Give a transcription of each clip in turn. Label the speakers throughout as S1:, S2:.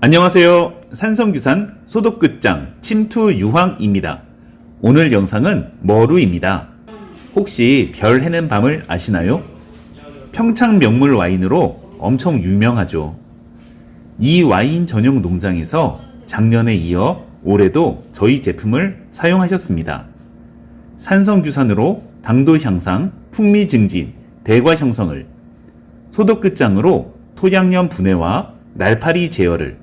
S1: 안녕하세요. 산성규산 소독끝장 침투 유황입니다. 오늘 영상은 머루입니다. 혹시 별 해는 밤을 아시나요? 평창 명물 와인으로 엄청 유명하죠. 이 와인 전용 농장에서 작년에 이어 올해도 저희 제품을 사용하셨습니다. 산성규산으로 당도 향상, 풍미 증진, 대과 형성을, 소독끝장으로 토양염 분해와 날파리 제어를,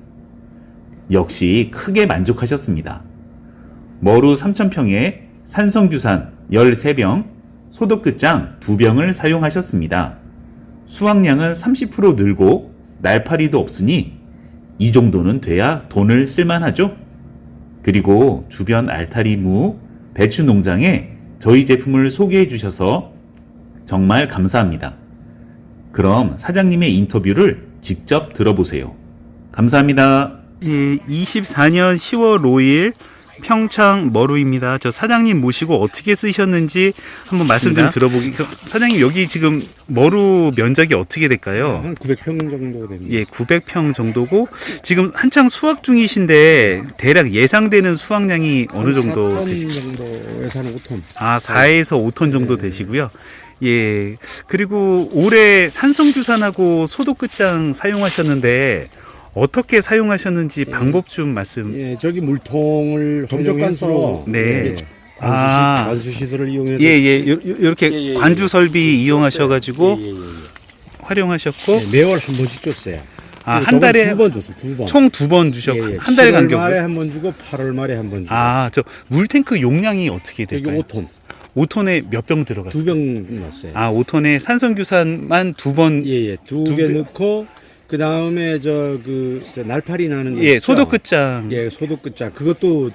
S1: 역시 크게 만족하셨습니다. 머루 3,000평에 산성규산 13병, 소독끝장 2병을 사용하셨습니다. 수확량은 30% 늘고 날파리도 없으니 이 정도는 돼야 돈을 쓸만하죠? 그리고 주변 알타리 무, 배추 농장에 저희 제품을 소개해 주셔서 정말 감사합니다. 그럼 사장님의 인터뷰를 직접 들어보세요. 감사합니다. 예, 24년 10월 5일 평창 머루입니다. 저 사장님 모시고 어떻게 쓰셨는지 한번 말씀 좀 들어보기. 사장님 여기 지금 머루 면적이 어떻게 될까요?
S2: 한 900평 정도 됩니다.
S1: 예, 900평 정도고 지금 한창 수확 중이신데 대략 예상되는 수확량이 어느 정도
S2: 4톤 정도에서 한 5톤.
S1: 아, 4에서 5톤 정도
S2: 네.
S1: 되시고요. 예. 그리고 올해 산성규산하고 소독끝장 사용하셨는데 어떻게 사용하셨는지 방법 좀 말씀.
S2: 예, 저기 물통을
S1: 점적관수로.
S2: 점적관수로
S1: 네.
S2: 관수 시설을 이용해서
S1: 이렇게 관주 설비 이용하셔가지고
S2: 예.
S1: 활용하셨고
S2: 예, 매월 한 번씩 줬어요.
S1: 한 달에
S2: 두 번 줬어, 두 번.
S1: 총 2번 주셨고 한 달
S2: 7월 말에
S1: 간격으로.
S2: 한 번 주고 8월 말에 한 번 주고.
S1: 저 물탱크 용량이 어떻게
S2: 여기
S1: 될까요?
S2: 5톤.
S1: 5톤에 몇 병 들어갔어요?
S2: 2병 넣었어요.
S1: 5톤에 산성규산만 2번.
S2: 예, 두 개 넣고 그 다음에 저 날파리 나는 거 있죠?
S1: 소독끝장.
S2: 예, 소독끝장. 그것도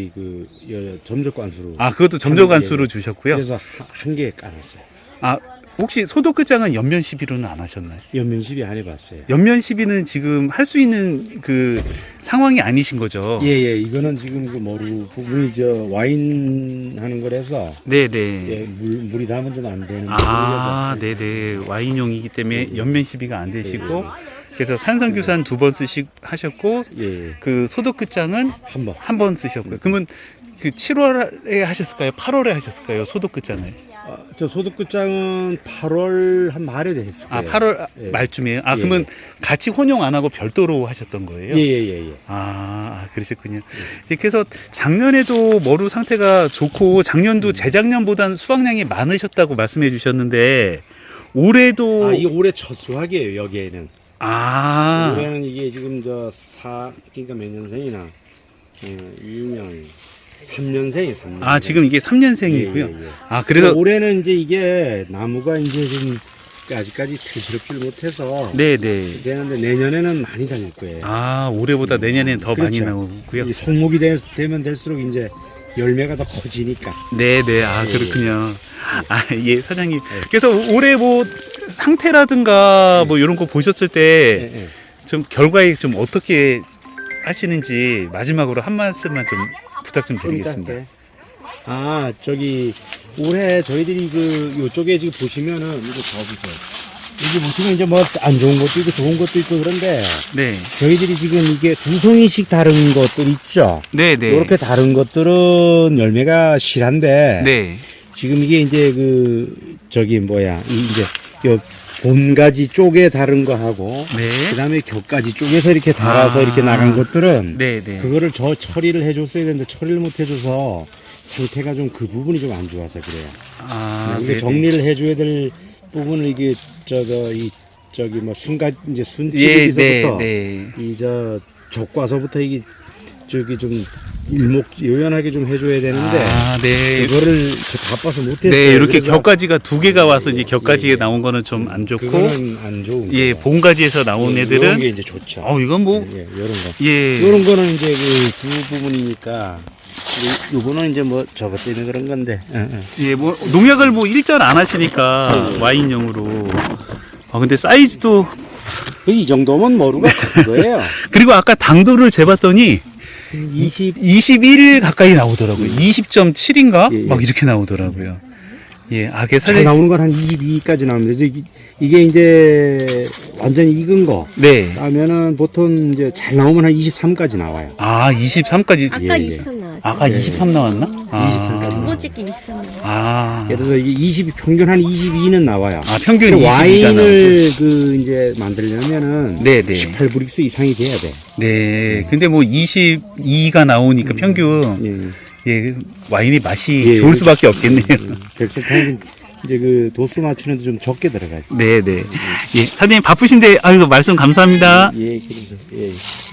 S2: 점적관수로.
S1: 그것도 점적관수로 주셨고요.
S2: 그래서 한 개 깔았어요.
S1: 혹시 소독끝장은 연면 시비로는 안 하셨나요?
S2: 연면 시비 안 해봤어요.
S1: 연면 시비는 지금 할 수 있는 그 상황이 아니신 거죠?
S2: 예, 이거는 지금 그 머루 부분이 와인 하는 거라서.
S1: 네네.
S2: 예, 물이 닿으면 좀 안 되는.
S1: 네네. 와인용이기 때문에 연면 시비가 안 되시고. 그래서 산성규산 2번 하셨고,
S2: 예.
S1: 그 소독끝장은
S2: 한 번.
S1: 쓰셨고요. 그러면 그 7월에 하셨을까요? 8월에 하셨을까요? 소독끝장을.
S2: 저 소독끝장은 8월 한 말에 됐을 거예요.
S1: 8월
S2: 예.
S1: 말쯤이에요? 그러면 같이 혼용 안 하고 별도로 하셨던 거예요?
S2: 예.
S1: 그러셨군요. 그래서 작년에도 머루 상태가 좋고 작년도 재작년보다는 수확량이 많으셨다고 말씀해 주셨는데 올해도
S2: 이 올해 첫 수확이에요, 여기에는. 올해는 이게 지금 그러니까 몇 년생이나 2년 3년생이 3년.
S1: 지금 이게 3년생이고요.
S2: 예.
S1: 그래서
S2: 올해는 이제 이게 나무가 이제 좀 아직까지 튼실없지를 못해서
S1: 네네.
S2: 되는데 내년에는 많이 달릴 거예요.
S1: 올해보다 내년에는 더 많이
S2: 그렇죠.
S1: 나오고요.
S2: 이 성목이 되면 될수록 이제 열매가 더 커지니까.
S1: 네네. 그렇군요. 예, 사장님. 그래서 올해 뭐 상태라든가 뭐 이런 거 보셨을 때 좀 결과에 좀 어떻게 하시는지 마지막으로 한 말씀만 좀 부탁 좀 드리겠습니다.
S2: 올해 저희들이 요쪽에 지금 보시면은 이거 봐보세요. 여기 보시면 이제 뭐 안 좋은 것도 있고 좋은 것도 있고 그런데
S1: 네.
S2: 저희들이 지금 이게 2송이씩 다른 것들 있죠.
S1: 네네.
S2: 이렇게 다른 것들은 열매가 실한데
S1: 네.
S2: 지금 이게 이제 요 봄가지 쪽에 다른 거 하고
S1: 네.
S2: 그다음에 겹가지 쪽에서 이렇게 달아서 이렇게 나간 것들은
S1: 네네.
S2: 그거를 처리를 해줬어야 되는데 처리를 못 해줘서 상태가 좀 그 부분이 좀 안 좋아서 그래요. 근데
S1: 네네.
S2: 정리를 해줘야 될 부분을 이게 순치기서부터 족과서부터 이게 좀 일목요연하게 좀 해줘야 되는데
S1: 네.
S2: 그거를 바빠서 못했어요.
S1: 네, 이렇게
S2: 그래서
S1: 겹가지가 2개가 와서 이제 겹가지에 나온 거는 좀 안 좋고,
S2: 그거는 안 좋은 거예요.
S1: 봄가지에서 나온
S2: 이런
S1: 애들은
S2: 게 이제 좋죠.
S1: 이건 뭐
S2: 이런 거.
S1: 예.
S2: 이런 거는 이제 두 부분이니까 요거는 이제 뭐 저것 때문에 그런 건데.
S1: 예, 뭐 농약을 뭐 일절 안 하시니까 와인용으로. 근데 사이즈도
S2: 이 정도면 머루가 큰 거예요.
S1: 그리고 아까 당도를 재봤더니 21 가까이 나오더라고요. 20.7인가?
S2: 예.
S1: 막 이렇게 나오더라고요. 예,
S2: 잘 나오는 건 한 22까지 나옵니다. 이게 이제 완전히 익은 거
S1: 네.
S2: 따면은 보통 이제 잘 나오면 한 23까지 나와요.
S1: 아, 23까지.
S3: 아까
S2: 예, 예.
S3: 23 나왔죠.
S1: 아까
S2: 예,
S1: 23 나왔나?
S2: 23까지.
S3: 두 번째 게 23 나왔죠.
S1: 아.
S2: 그래서 이게 20 평균 한 22는 나와요.
S1: 아, 평균
S2: 근데
S1: 22가
S2: 와인을 그 이제 만들려면은
S1: 네, 네.
S2: 18브릭스 이상이 돼야 돼.
S1: 네. 근데 뭐 22가 나오니까 평균
S2: 예.
S1: 예, 와인의 맛이
S2: 예,
S1: 좋을 수밖에 없겠네요.
S2: 백설탕은 이제 그 도수 맞추는데 좀 적게 들어가지.
S1: 네, 네. 예, 사장님 바쁘신데 아이고 말씀 감사합니다.
S2: 예, 그래서 예.